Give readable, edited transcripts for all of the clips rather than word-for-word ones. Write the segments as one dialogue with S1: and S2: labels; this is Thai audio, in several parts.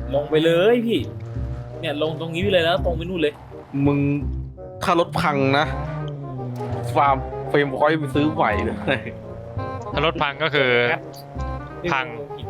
S1: ลงไปเลยพี่เนี่ยลงตรงนี้ไปเลยแล้วตรงไปนู่นเลย
S2: มึงถ้ารถพังนะฟาร์มเฟรมพอยต์ไปซื้อใหม่เลย
S3: ถ้ารถพังก็คือ พัง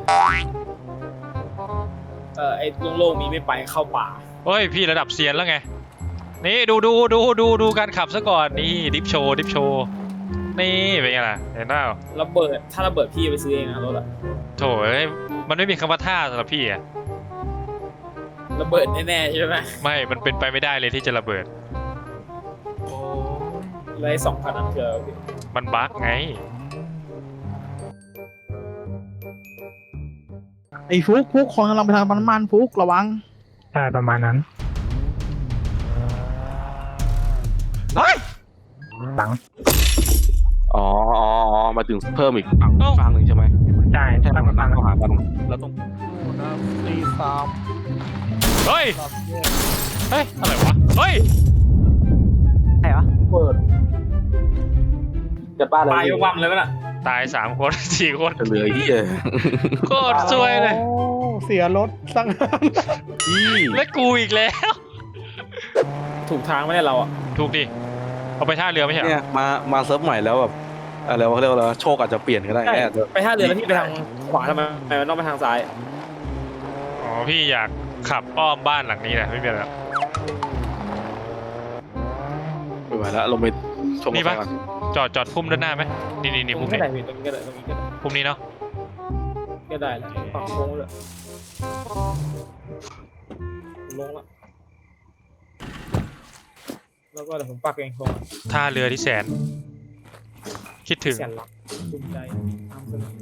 S1: ไอ้โล่งๆมีไม่ไปเข้าป่า
S3: เฮ้ยพี่ระดับเซียนแล้วไงนี่ดูการขับซะก่อนนี่ดิฟโชว์นี่เป็นไงล่ะเห็นเปล่า
S1: ระเบิดถ้าระเบิดพี่ไปซื้อเองนะรถอะ
S3: โถเอ้ยมันไม่มีคำว่าท่าสำหรับพี่อะ
S1: ระเบิดแน่ๆใช่ไหม
S3: ไม่มันเป็นไปไม่ได้เลยที่จะระเบิด
S1: แล้วไอ้2,000นั้นคืออะไรพี่
S3: มันบั๊กไง
S4: ไอ้ฟุกคนกำลังไปทางปั๊มน้ำมันฟุกระวัง
S5: ใช่ประมาณนั้น
S2: เฮ้ย
S5: หลัง
S2: อ๋อมาถึงเพิ่มอีกฝั่งหนึ่งใช่ไหม
S5: ใช่
S2: ใช่
S5: ตั้ง
S2: มัน
S5: ฟั
S2: ตั้
S5: ง
S2: งเข้าหากันแล้วต้อง
S4: ตีสาม
S3: เฮ้ยอะไรวะเฮ้ย
S4: ไหนวะ
S1: เปิด
S2: จะป้าอะไร
S1: ตายยกวัมเลยมั้ยน่ะ
S3: ตาย3 คน 4 คน
S2: จะเหลือที่เจอ
S3: โคตรซวยเลย
S4: โอ้เสียรถสังหาร
S2: ที่
S3: และกูอีกแล้ว
S1: ถูกทางไม่ได้เราอะ
S3: ถูกดิเอาไปท่าเรือไม่ใช่เหร
S2: เนี่
S3: อย
S2: มาเซิร์ฟใหม่แล้วแบบอะไรวะเขาเรียกว่าอะไรโชคอาจจะเปลี่ยนก็ได้
S1: ใช่
S2: แอบจะ
S1: ไปท่าเรือแล้วพี่ไปทางขวาทำไมมันต้องไปทางซ้าย
S3: อ๋อพี่อยากขับอ้อมบ้านหลังนี้นะไม่เป็นไรหรอก
S2: ไม่ไหวแล้วลงไปชม
S3: นี่
S2: กัน
S3: ปะ
S2: ก่อน
S3: จอดพุ่มด้านหน้าไหมนี่
S1: ตร
S3: พุ่
S1: ง
S3: ม
S1: นี้ก็
S3: นี้
S1: ได้พี่ตรงนี้ก็ได้ตรงนี้ก็ได้
S3: พุ่มนี้เนาะ
S1: ก็ได้แล้วฝั่งโค้งเลยลงละแล้วก็เดี๋ยวผมปักเองตรง
S3: ท่าเรือที่แสน คิดถึง
S1: แสนลักภูมิใจนำเสนอ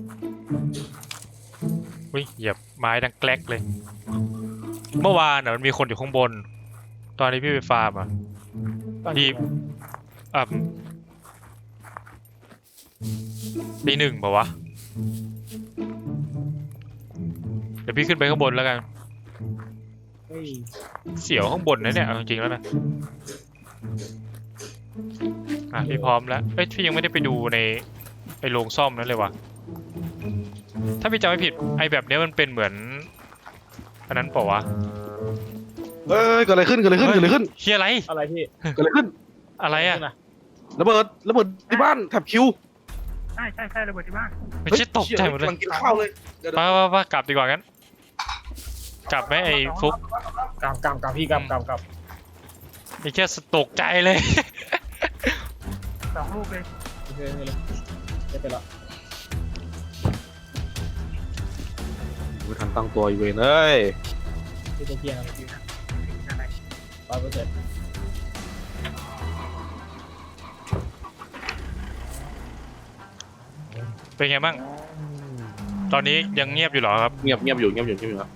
S3: อุ้ยเหยียบไม้ดังแกลกเลย เมื่อวานน่ะมันมีคนอยู่ข้างบน ตอนนี้พี่ไปฟาร์มอ่ะ ดี อ่ะตี 1ป่าวะ เดี๋ยวพี่ขึ้นไปข้างบนแล้วกัน
S1: เฮ้ย
S3: เสียวข้างบนนะเนี่ยเอาจริงๆแล้วนะอ่ะพี่พร้อมแล้วเอ้ยพี่ยังไม่ได้ไปดูในไอ้โรงซ่อมนั้นเลยว่ะถ้าพี่จำไม่ผิดไอ้แบบเนี้ยมันเป็นเหมือนอันนั้นเปล่าวะ
S2: เอ้ยเกิดอะไรขึ้น
S3: เฮียอะไร
S1: อะไรพี่
S2: เกิดอะไรขึ้น
S3: อะไรอะ
S1: ขึ้นนะ
S2: ระเบิดที่บ้านแถบคิว
S5: ใช่ระเบิดที่บ้าน
S3: ไม่ใช่ตกใจหมดเลย
S2: กำลังกินข้าวเลยเดี๋ยว
S3: ไปกลับดีกว่างั้นกลับไหมไอ้ฟุก
S1: กำพี่กำ
S3: ไอ้แค่ตกใจเลย
S5: 2 ลูกเลย
S1: โอเคเลยไม่เป็นไร
S2: ไม่ทันตั้งตัวอยู่เว้ยเอ้ย
S1: พี่จะเพียงอะไรพี่
S5: อะไร
S1: 100%
S3: เป็นไงบ้างตอนนี้ยังเงียบอยู่เหรอครับ
S2: เงียบอยู่ครับ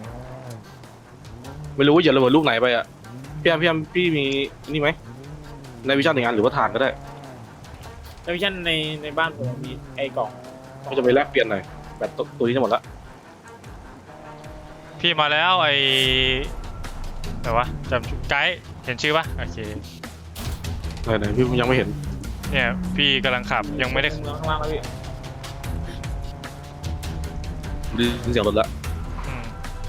S2: ไม่รู้ว่าจะระเบิดลูกไหนไปอ่ะพี่แอมพี่มีนี่ไหมในวิชาหนึ่งงานหรือว่าฐานก็ได้
S1: ในวิชั่นในบ้านผมมีไอ้กล่อง
S2: ก็จะไปแลกเปลี่ยนหน่อยแบตตัวนี้จะหมดละ
S3: พี่มาแล้วไอ้ไหนวะจำไกด์เห็นชื่อปะโอเค
S2: ไหนพี่ยังไม่เห็น
S3: เนี่ยพี่กำลังขับยังไม่ได้
S1: ข้างล่างแล้วพี่
S2: ได้ยินเสียงรถละ
S3: อืม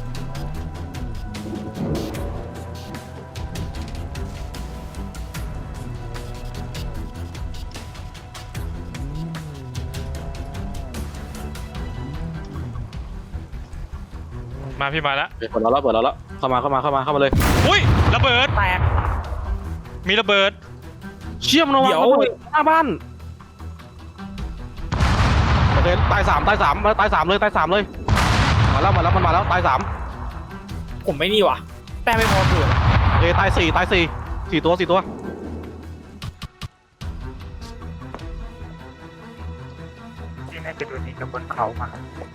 S3: มาพี่มาแล้ว
S2: เปิดเราแล้วเข้ามาเลย
S3: อุ้ยระเบิด
S1: แตก
S3: มีระเบิด
S2: เชี่ยมนวาง
S1: เดี๋ยว
S2: ระเบิดหน้าบ้านโอเคตายสามเลยมาแล้วมันมาแล้วตาย 3
S1: ผมไม่นี่ว่ะแต่ไม่พอเกิด
S2: โอเคตาย4ตัว
S5: ที่น่าจะโดนยิงกับบนเขามา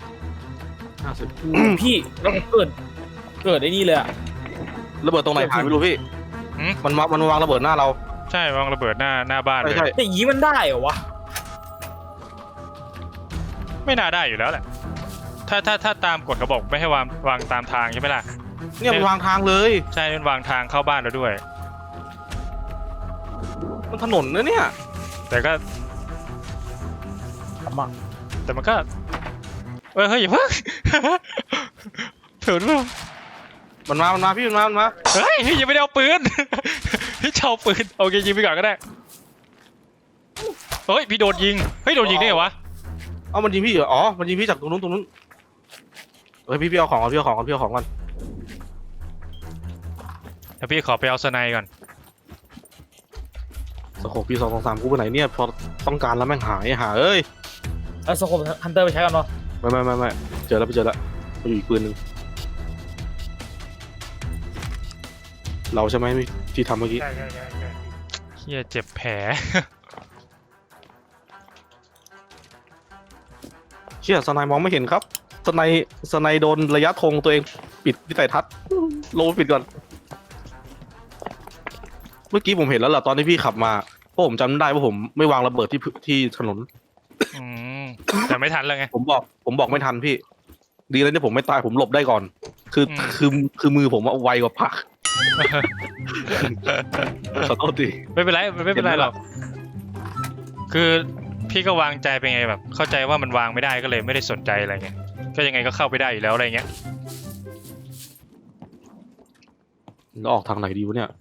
S2: 50
S1: พี่แล้วผมเกิดไอ้นี่เลยอะ
S2: ระเบิดตรงไหนผ่านไม่รู้พี่
S3: หืม
S2: มันวางระเบิดหน้าเรา
S3: ใช่วางระเบิดหน้าบ้านเลย
S2: ใช่
S1: แต่อย่างนี้มันได้เหรอวะ
S3: ไม่น่าได้อยู่แล้วแหละถ้าตามกฎเขาบอกไม่ให้วางตามทางใช่ไหมล่ะ
S2: เนี่ยมันวางทางเลย
S3: ใช่มันวางทางเข้าบ้านแล้วด้วย
S2: มันถนนนะเนี่ย
S3: แต่ก็
S1: ทำอ่ะ
S3: แต่มันก็เฮ้ยอย่าเพิ่ง เถื่อนเปล่า
S2: มันมาพี่มันมา
S3: เฮ้ยพี่ยังไม่ได้เอาปืน พี่จะเอาปืนโอเคยิงไปก่อนก็ได้เฮ้ยพี่โดนยิงเฮ้ยโดนยิงได้เหรอวะ
S2: เอามันยิงพี่เหรออ๋อมันยิงพี่จากตรงนู้นเฮ้ยพี่เอาของก่อนพี่เอาของก่อนพี่เอาของก่อน
S3: เดี๋ยวพี่ขอไปเอาสไนก่อน
S2: สโคปพี่223กูไปไหนเนี่ยพอต้องการแล้วแม่งหายหาเอ้ย
S1: เอาสโคปฮันเตอร์ไปใช้กันเนาะ
S2: ไม่เจอแล้วไปเจอแล้วมันอยู่อีกปืนหนึ่งเราใช่ไหมที่ทำเมื่อกี้
S5: ใช่
S3: เฮียเจ็บแผล
S2: เชี่ยสไนมองไม่เห็นครับสไนโดนระยะธงตัวเองปิดวิสัยทัศน์โลปิดก่อนเมื่อกี้ผมเห็นแล้วล่ะตอนที่พี่ขับมาเพราะผมจำได้ว่าผมไม่วางระเบิดที่ถนน
S3: อืมแต่ไม่ทันแล้วไง
S2: ผมบอกไม่ทันพี่ ดีเลยที่ผมไม่ตายผมหลบได้ก่อน คือ
S3: อืม
S2: คือมือผมไวกว่าผัก ขอโทษที
S3: ไม่เป็นไรไม่เป็นไรหรอกคือพี่ก็วางใจไปไงแบบ เข้าใจว่ามันวางไม่ได้ก็เลยไม่ได้สนใจอะไรเงี้ยก็ยังไงก็เข้าไปได้อยู่แล้วอะไรเงี้ย
S2: แล้วออกทางไหนดีวะเนี่ย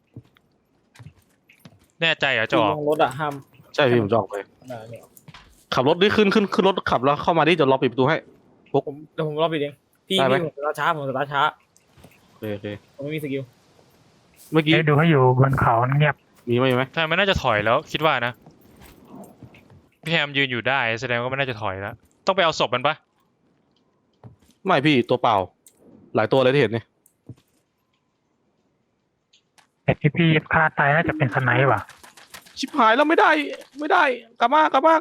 S3: แน่ใจเหรอจะออก
S1: ลงรถอะห้าม
S2: ใช่พี่ผมจะออกไป
S1: เนี่ย
S2: ขับรถดิขึ้นรถขับแล้วเข้ามาดิจะล็อกปิดประตูให้
S1: เดี๋ยวผมรอปิดเองพี่
S2: ได้ไหม
S1: ผมสตาร์ทช้า
S2: โอเค
S1: ผมไม่มีสกิล
S2: เมื่อกี้
S5: ดูให้อยู่บนเขาเงียบ
S2: มีไหม
S3: ใช่มันน่าจะถอยแล้วคิดว่านะพี่แฮมยืนอยู่ได้แสดงว่ามันน่าจะถอยแล้วต้องไปเอาศพมันปะ
S2: ไม่พี่ตัวเปล่า หลายตัวเลยที่เห็นเนี่ย
S5: แต่ที่พี่ฆ่าตายน่าจะเป็นสไนป์ว่ะ
S2: ชิบหายแล้วไม่ได้กลับมา
S1: เข้ามา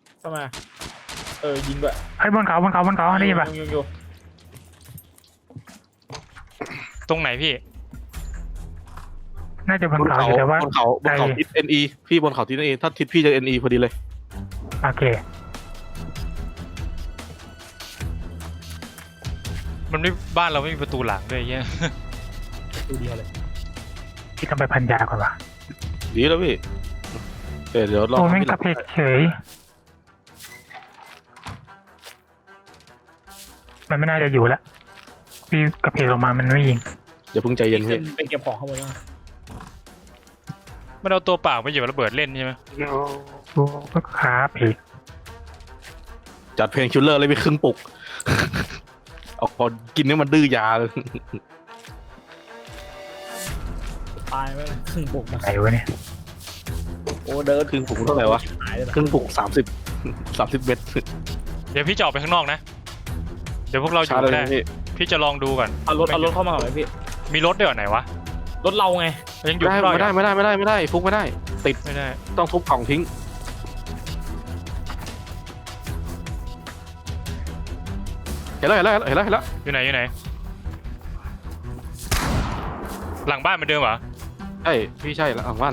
S1: ยิงด้วย
S5: เฮ้ยบนเขาได้ยินป่ะ
S1: ยิงอยู่
S3: ตรงไหนพี่
S5: น่าจะบนเขาอยู่แต่ว่า
S2: บนเขาทิศ NE พี่บนเขาทิศ NE ถ้าทิศพี่จะ NE พอดีเลย
S5: โอเค
S3: มันไม่บ้านเราไม่มีประตูหลังด้วยเงี้ย
S1: ตัวเดียวเลย
S5: พี่ต้องไปพันยาก่อนว่ะ
S2: ดีแล้วพี่เดี๋ยวรอ
S5: โอ้แม่ง
S2: พี่
S5: กระเพกเฉยมันไม่น่าจะอยู่แล้วพี่กระเพกออกมามันไม่ยิง
S2: อย่าเพิ่งใจเย็นพี่
S1: ไปเก็บของข้างบนนะ
S3: มันเอาตัวเปล่าไปหยิบระเบิดเล่นใช่ไหม
S5: โอ้ก็ขาเพก
S2: จัดเพลงคิลเลอร์เลยไปครึ่งปุก เอาพอกินนี่มันดื้อยาเลย
S1: ตายไปครึ่งปุกนะ
S5: ไหนวะเนี่ย
S1: โอ้เดิน
S2: ครึ่งปุกเท่าไหร่วะ
S1: หายเลยนะ
S2: ครึ่งปุก30เมตร
S3: เดี๋ยวพี่จะออกไปข้างนอกนะเดี๋ยวพวกเราอ
S2: ช้า
S3: ยู่
S2: เลย
S3: ได้
S2: นะพี่
S3: พี่จะลองดูก่อน
S1: เอารถเข้ามาก่อนไหมพี่
S3: มีรถด้วยเหรอไหนวะ
S1: รถเราไง
S3: ยังอยู่ข้างนอก
S2: ไม่ได้ฟุกไม่ได้ติด
S3: ไม่ได้
S2: ต้องทุบกล่องทิ้งเห็นแล้ว
S3: อยู่ไหนหลังบ้านเหมือนเดิมเหรอ
S2: ใช่พี่ใช่แล้วบ้าน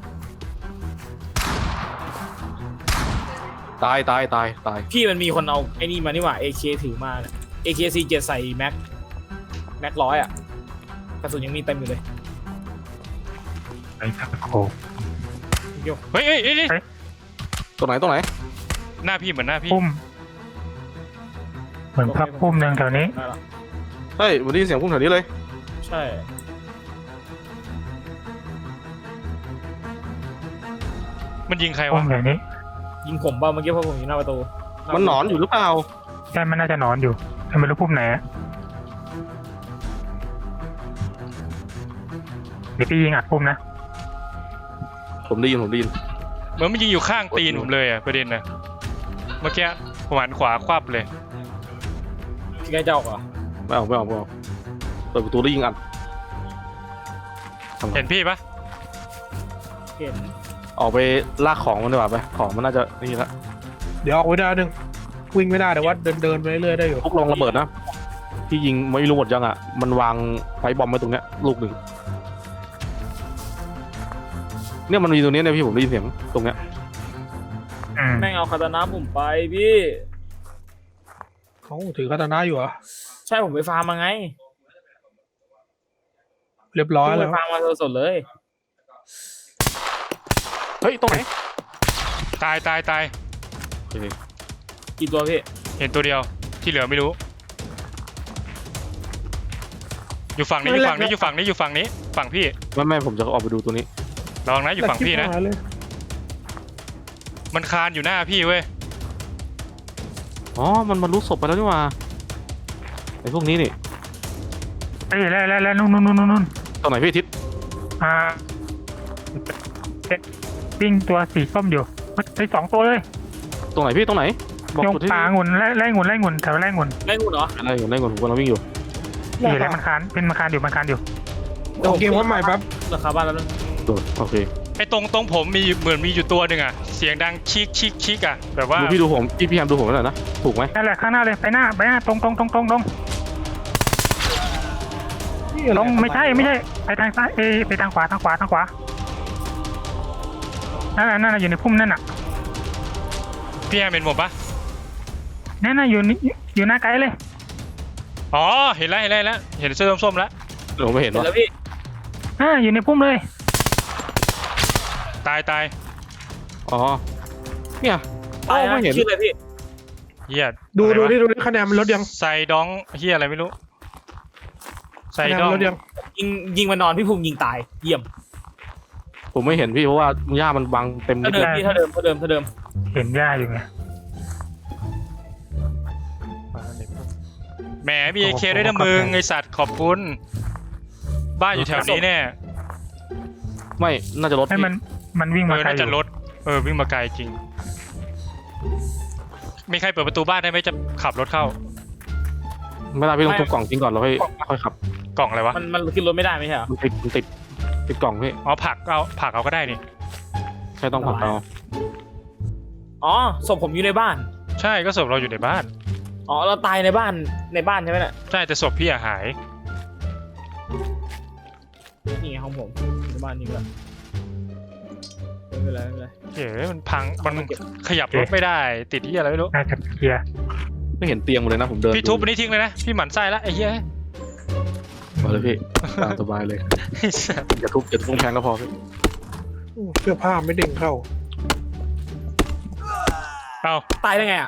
S2: ตาย
S1: พี่มันมีคนเอาไอ้นี่มานี่หว่า AK ถือมา AK47 ใส่แม็ก100อ่ะกระสุนยังมีเต็มอยู่เลย
S5: ไอ้สักโค
S3: เฮ้ย
S2: ตรงไหน
S3: หน้าพี่เหมือนหน้าพี่
S5: พุ่มเหมือนพับพุ่มหนึ่งแถวนี้
S1: ได้ละ
S2: เฮ้ยวันนี้เสียงพุ่งแถวนี้เลย
S1: ใช่
S3: มันยิงใคร
S5: พุ่
S3: วะ
S5: มแถวนี้
S1: ยิงผมเปล่าเมื่อกี้เพราะผมอยู่หน้าประตู
S2: มันหนอนอยู่หรือเปล่า
S5: ใช่มันน่าจะนอนอยู่แต่ไม่รู้พุ่มไหนอะเดี๋ยวพี่ยิงอัดพุ่มนะ
S2: ผมได้ยิน
S3: เหมือนมันยิงอยู่ข้างตีนผมเลยอะประเด็นนะเมื่อกี้ผมหันขวาควับเลย
S1: พี่ใกล้จะออกเหรอ
S2: ไม่เอาเปิดประตูได้ยิงอัด
S3: เห็นพี่ปะ
S1: เห็น
S2: ออกไปลากของมันดีกว่าไปของมันน่าจะนี่ละ
S4: เดี๋ยวออกไม่ได้หนึ่งวิ่งไม่ได้แต่ว่าเดินไปเรื่อยๆได้อยู่
S2: พวกลองระเบิดนะพี่ยิงไม่รู้หมดยังอ่ะมันวางไฟบอมไว้ตรงเนี้ยลูกหนึ่งเนี่ยมันมีตรงนี้เนี่ยพี่ผมได้ยินเสียงตรงเนี้ย
S1: แม่งเอาคาตานะผมไปพี่
S4: เขาถือคาตานะอยู่เหรอ
S1: ใช่ผมไปฟาร์มมาไง
S4: เรียบร้อย
S1: ผม
S4: แล้
S1: ไป
S4: ว
S1: ฟาร์มมาสดๆเลย
S2: เฮ้ยตรงไหน
S3: ตาย
S2: โอเค
S1: กี่ตัวพี่
S3: เห็นตัวเดียวที่เหลือไม่รู้อยู่ฝั่งนี้อยู่ฝั่งนี้อยู่ฝั่งนี้อยู่ฝั่งนี้ฝั่งพี่
S2: ไม่ผมจะออกไปดูตัวนี้
S3: ระวังนะอยู่ฝั่งพี่นะ
S4: หายเลย
S3: มันคานอยู่หน้าพี่เว้ย
S2: อ๋อมันรู้ศพไปแล้วนี่หว่าไอ้พวกนี้นี่
S5: เอ้ยแล้วนู่น
S2: ตรงไหนพี่ทิศ
S5: อ่าปิ้งตัวสีส้มอยู่ไอ้2 ตัวเลย
S2: ตรงไหนพี่ตรงไหนบอก
S5: ยง
S2: จุดที่
S5: ปลาองุ่นไล่องุ่นแถวไล่องุ่น
S1: ได้งูเหรอ
S2: อะไรอยู่ในก่อนผมกำลังวิ่งอยู่
S5: นี่แหละมันคานอยู่
S4: เดี๋ยวเกมว่าใหม่แป๊บ
S1: ราคาบ้านแล้วนึง
S2: โอเค
S3: ไอ้ตรงผมมีเหมือนมีอยู่ตัวหนึ่งอะเสียงดังชิกอะแบบว่า
S2: ดูพี่ดูผมพี่แฮมดูผมหน่อยนะถูกไหม
S5: นั่นแหละข้างหน้าเลยไปหน้าตรงไม่ใช่ไปทางซ้ายไปทางขวานั่นน่ะอยู่ในพุ่มนั่นน่ะ
S3: พี่แฮมเป็นผมปะ
S5: นั่นน่ะอยู่หน้าไกด์เลย
S3: อ๋อเห็นแล้วเห็นเสื้อส้มๆแล้ว
S2: เดี๋ยวผมไม่เห็น
S1: เห็น
S2: วะ
S1: แล้วพี่
S5: อยู่ในพุ่มเลย
S3: ตาย
S2: อ๋อเนี่ย
S1: ตาย
S2: ไม่เห็น
S1: ชื่ออะไรพี่
S3: เฮีย
S4: ดู
S3: อะไรวะ
S4: ดิคะแนนมันลดยัง
S3: ไซดองเฮียอะไรไม่รู้ไซ
S4: คะแนน
S3: ดอ
S4: มั
S3: ง
S4: นลดยัง
S1: ยิงมานอนพี่ภูมิยิงตายเยี่ยม
S2: ผมไม่เห็นพี่เพราะว่าหญ้ามันบังเต็ม
S1: ถ้าเดิมพี่ถ้าเดิม
S5: เห็นหญ้าอยู่ไง
S3: แหมมีเอเคด้วยนะมึงไอสัตว์ขอบคุณบ้านอยู่แถวนี้แน่
S2: ไม่น่าจะลด
S5: ให้มันวิ่งมาไกล
S3: น่า
S5: อ
S3: จะ
S5: ยู่
S3: รถวิ่งมาไกลจริงมีใครเปิดประตูบ้านได้ไหมจะขับรถเข้า
S2: ไม่ได้พี่ต้องทุบกล่องทิ้งก่อนแล้วค่อยขับ
S3: กล่องอะไรวะ
S1: มันขึ้นรถไม่ได้ไม่ใช่เหรอ
S2: มันติดกล่องพี่
S3: อ๋อผักเอาก็ได้นี่
S2: แค่ต้องผัดเอา
S1: อ๋อศพผมอยู่ในบ้าน
S3: ใช่ก็ศพเราอยู่ในบ้าน
S1: อ๋อเราตายในบ้านใช่ไหมน่ะ
S3: ใช่แต่ศพพี่อะหาย
S1: นี่ไงของผมในบ้านนี่ก็ไม่เป็นไร
S3: เฮ้ยมันพังมันขยับรถไม่ได้ติดที่อะไรไม่รู้
S5: น่าจะเคลียร์
S2: ไม่เห็นเตียงเลยนะผมเดิน
S3: พี่ทุบอันนี้ทิ้งเลยนะพี่หมั่นไส้ละไอ้เหี้ย
S2: มาเลยพี่ตามสบายเลยอย่าทุบกำแพงก็พอพี่
S4: เสื้อผ้าไม่เด้งเข้า
S3: เอา
S1: ตายได้ไงอ่ะ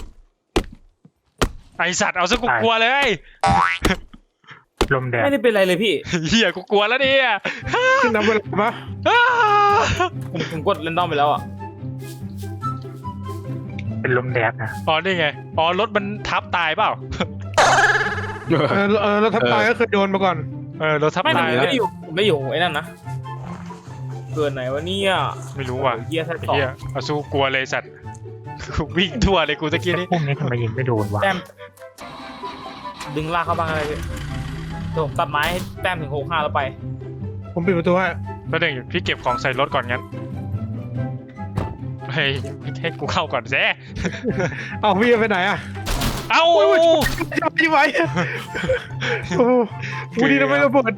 S3: ไอสัตว์เอาซะกูกลัวเลย
S5: ลมแดด
S1: ไม่ได้เป็นไรเลยพี่
S3: เหี้ยกูกลัวแล้วเนี่ย
S4: ขึ้นนับเวลาปะ
S1: ผมกดเรนดอมไปแล้วอ่ะ
S5: เป็นลมแดดนะ
S3: อ๋อนี่ไงอ๋อรถมันทับตายเปล่า
S4: แล้วทับตายก็เคยโดนมาก่อน
S3: รถทับ
S1: ไม่
S3: ตาย
S1: ไม่ได้อยู่ผมไม่อยู่ไอ้นั่นนะเกินไหนวะเนี่ย
S3: ไม่รู้ว่ะ
S1: เฮียแท้
S3: ไอ้
S1: ต่อ
S3: เหี้ยเอาสู้กลัวเลยสัตว์กูวิ่งทั่วเลยกูตะกี้นี้
S5: พุ่มนี้ทำไมยิงไม่โดนวะ
S1: แต้มดึงลากเข้าบ้างอะไรพี่เดี๋ยวผมตัดไม้ให้แต้มถึง65แล้วไป
S4: ผมปิดประตูให้
S3: แล้วหนึ่งพี่เก็บของใส่รถก่อนงั้นเฮ้ยให้กูเข้าก่อนแซ่
S4: เอาพี่ไปไหนอ่ะ
S3: เอ้า
S4: จับพี่ไว้โอ้โหดีนะไม่ระเบิด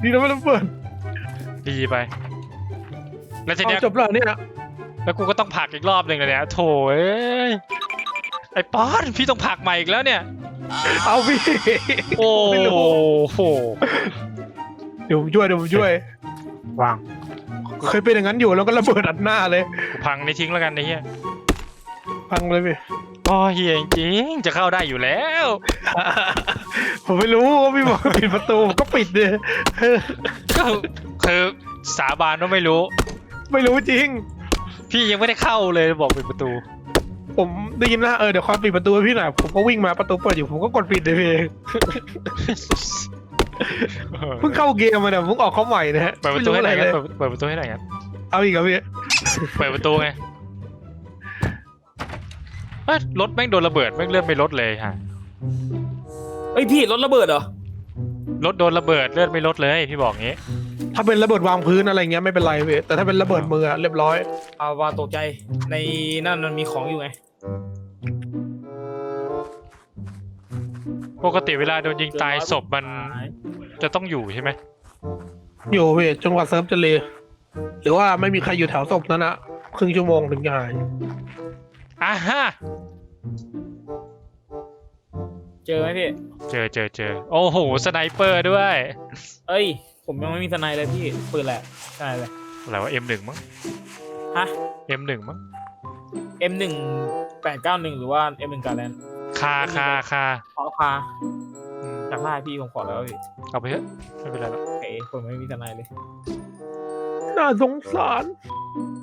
S3: ดีไปแล้วที
S4: เอา
S3: เนี้ย
S4: จบแล้วเนี่ย
S3: แล้วกูก็ต้องผลักอีกรอบหนึ่งเลยเนี่ยโถเอ้ยไอ้ป๊อดพี่ต้องผลักใหม่อีกแล้วเนี่ย
S4: เอาพี่
S3: โอ้
S4: ไม่รู้
S3: โห
S4: เดี๋ยวผมช่วย
S5: วาง
S4: เคยเป็นอย่างนั้นอยู่แล้วก็ระเบิดอัดหน้าเลย
S3: กูพังในทิ้งแล้วกันไอ้เหี้ย
S4: พังเลยพี่
S3: โอ้เฮียจริงๆจะเข้าได้อยู่แล้ว
S4: ผมไม่รู้ว่าพี่บอกปิดประตูผมก็ปิดเลย
S3: ก็คือสาบานว่าไม่รู้
S4: ไม่รู้จริง
S3: พี่ยังไม่ได้เข้าเลยบอกปิดประตู
S4: ผมได้ยินนะเดี๋ยวความปิดประตูให้พี่หน่อยผมก็วิ่งมาประตูเปิดอยู่ผมก็กดปิดเลยพี่เพิ่งเข้าเกมมาเนี่ยเพิ่งออกเข้าใหม่นะฮะ
S3: เปิดประตูให้หน่อย
S4: ไม่
S3: งั้น
S4: รู้อะไรเลย
S3: เปิดประตูให้หน่อยงั้น
S4: เอาอีกครับพี่
S3: เปิดประตูไงเอ้ยรถแม่งโดนระเบิดแม่งเลื่อนไม่ลดเลยฮะ
S1: เอ้ยพี่รถระเบิดเหรอ
S3: รถโดนระเบิดเลื่อนไม่ลดเลยพี่บอกงี้
S4: ถ้าเป็นระเบิดวางพื้นอะไรเงี้ยไม่เป็นไรพี่แต่ถ้าเป็นระเบิดมืออะเรียบร้อย
S1: เอาว่าตกใจในนั่นมันมีของอยู่ไง
S3: ปกติเวลาโดนยิงตายศพมันจะต้องอยู่ใช่ไหม
S4: อยู่พี่จนกว่าเซิร์ฟจะเลหรือว่าไม่มีใครอยู่แถวศพนั้นอะครึ่งชั่วโมงถึงจะหาย
S3: อ่ะฮะ
S1: เจอไหมพี่
S3: เจอโอ้โหสไนเปอร์ด้วย
S1: เอ้ยผมยังไม่มีทนายเลยพี่ปืนแหละใช่เลย
S3: อะไรวะ M1 มั้ง
S1: ฮะ
S3: M1 มั้ง
S1: M1 891หรือว่า M1 การแลนด์
S3: คา
S1: ขอคาจากหน้าพี่ผมขอแล้วพี่
S3: เอาไปเถอะไม่เป็นไรหรอก
S1: โอเคผมไม่มีทนายเลย
S4: น่าสงสาร
S1: ผ